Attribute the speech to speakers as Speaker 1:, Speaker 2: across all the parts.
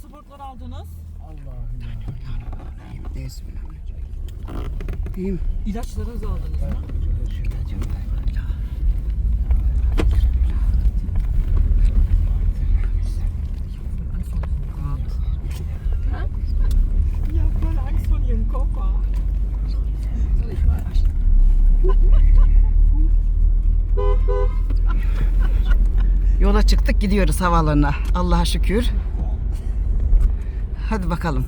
Speaker 1: pasaportları aldınız?
Speaker 2: Allah'ım ya. Bismillahirrahmanirrahim.
Speaker 1: İlaçlarınızı aldınız mı? Ja, voll Angst vor ihrem Koffer.
Speaker 2: Yola çıktık, gidiyoruz havaalanına. Allah'a şükür. Hadi bakalım.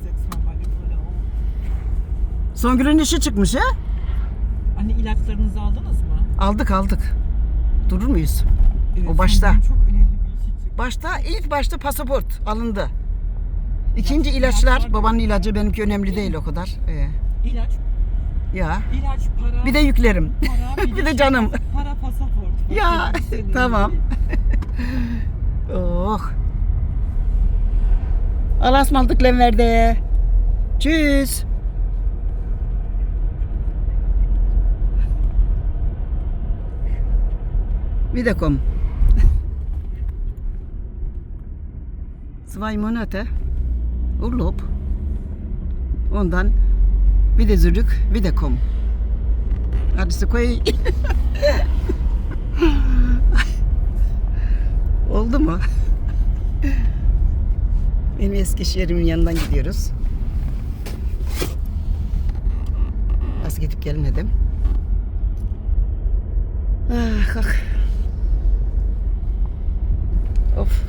Speaker 2: Songül'ün işi çıkmış ha?
Speaker 1: Anne ilaçlarınızı aldınız mı?
Speaker 2: Aldık. Durur muyuz?
Speaker 1: Evet,
Speaker 2: O başta.
Speaker 1: Songül'ün çok önemli bir işi çıktı.
Speaker 2: İlk başta pasaport alındı. İkinci ilaçlar, babanın ilacı benimki önemli değil o kadar.
Speaker 1: İlaç,
Speaker 2: Ya.
Speaker 1: ilaç, para.
Speaker 2: Bir de yüklerim.
Speaker 1: para,
Speaker 2: Bir de canım.
Speaker 1: Para, pasaport.
Speaker 2: Ya,
Speaker 1: Başka bir şey
Speaker 2: tamam.
Speaker 1: değil.
Speaker 2: Oh. Allah'a ısmarladık Lenver'de. Tschüss. Wiederkommen. 2 Monate Urlaub. Ondan bir de zurück, wiederkommen. Hadi koy. Oldu mu? Benim Eskişehir'imin yanından gidiyoruz. Az gidip gelmedim. Ah, kalk. Of.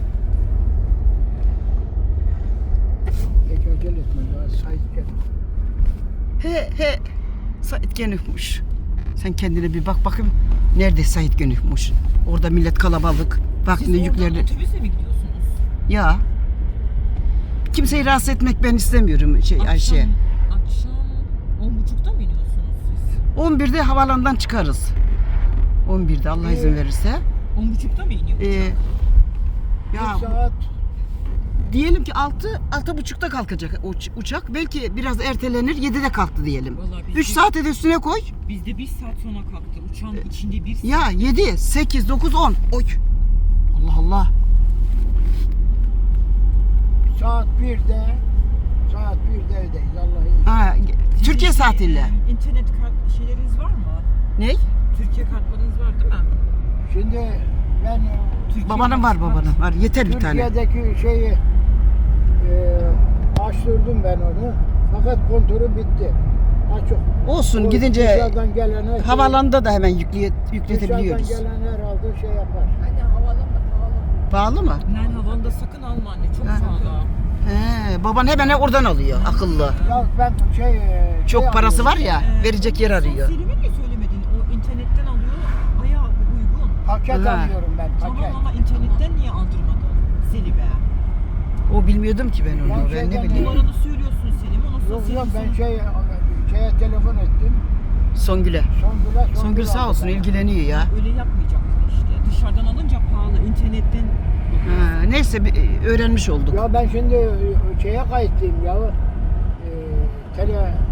Speaker 2: He. Sait Gönükmüş. Sen kendine bir bak bakayım. Nerede Sait Gönükmüş? Orada millet kalabalık. Bak
Speaker 1: Siz
Speaker 2: ne
Speaker 1: oradan
Speaker 2: yüklerdi.
Speaker 1: otobüse mi gidiyorsunuz?
Speaker 2: Ya. Kimseyi rahatsız etmek ben istemiyorum Ayşe.
Speaker 1: Akşam 10.30'da mı iniyorsunuz siz?
Speaker 2: 11'de havaalanından çıkarız. 11'de Allah izin verirse.
Speaker 1: 10.30'da mı iniyor?
Speaker 2: Ya
Speaker 3: Saat
Speaker 2: diyelim ki 6.30'da kalkacak uçak. Belki biraz ertelenir. 7'de kalktı diyelim.
Speaker 1: Vallahi biz
Speaker 2: 3
Speaker 1: de-
Speaker 2: saate de üstüne koy.
Speaker 1: Bizde 1 saat sonra kalktı. Uçağın içinde 1 saat.
Speaker 2: Ya 7, 8, 9, 10. Oy. Allah Allah.
Speaker 3: saat 1'de evdeyiz Allah'ın.
Speaker 2: Ha, Türkiye saatiyle.
Speaker 1: İnternet kart şeyleriniz var mı?
Speaker 2: Ne?
Speaker 1: Türkiye kartlarınız var değil mi?
Speaker 3: Şimdi ben
Speaker 1: Türkiye
Speaker 2: Babanın var
Speaker 1: kart-
Speaker 2: babanın. Var yeter bir tane.
Speaker 3: Türkiye'deki şeyi açtırdım ben onu. Fakat kontörü bitti. Açık.
Speaker 2: Olsun
Speaker 3: O
Speaker 2: gidince
Speaker 3: dışarıdan gelene
Speaker 2: havalanda da hemen
Speaker 3: dışarıdan
Speaker 2: yükletebiliyoruz.
Speaker 3: gelen herhalde şey yapar.
Speaker 2: Pahalı mı?
Speaker 1: Lan havanda sakın alma anne. Çok
Speaker 2: Ha.
Speaker 1: pahalı.
Speaker 2: He, baban hemen oradan alıyor akıllı.
Speaker 3: Ya ben
Speaker 2: Çok parası var ya
Speaker 1: Ee,
Speaker 2: verecek yer arıyor.
Speaker 1: Sen Selim'e niye söylemedin? O internetten alıyor. Bayağı uygun.
Speaker 3: Paket
Speaker 2: Ha.
Speaker 3: alıyorum ben paket.
Speaker 1: Tamam ama internetten niye aldırmadın Selim'e?
Speaker 2: O bilmiyordum ki ben onu.
Speaker 3: Ben
Speaker 2: Ben ne
Speaker 3: şeyden-
Speaker 2: bileyim.
Speaker 1: Numaranı söylüyorsun Selim. Ondan sonra
Speaker 3: Yok
Speaker 1: Selim
Speaker 3: ben
Speaker 1: sana-
Speaker 3: şeye telefon ettim.
Speaker 2: Songül'e. Songül sağ olsun
Speaker 3: aldı.
Speaker 2: ilgileniyor ya.
Speaker 1: Öyle yapmayacaktın işte. Dışarıdan alınca pahalı. İnternetten
Speaker 2: Ha, neyse öğrenmiş olduk.
Speaker 3: Ya ben şimdi şeye kayıtlıyım ya.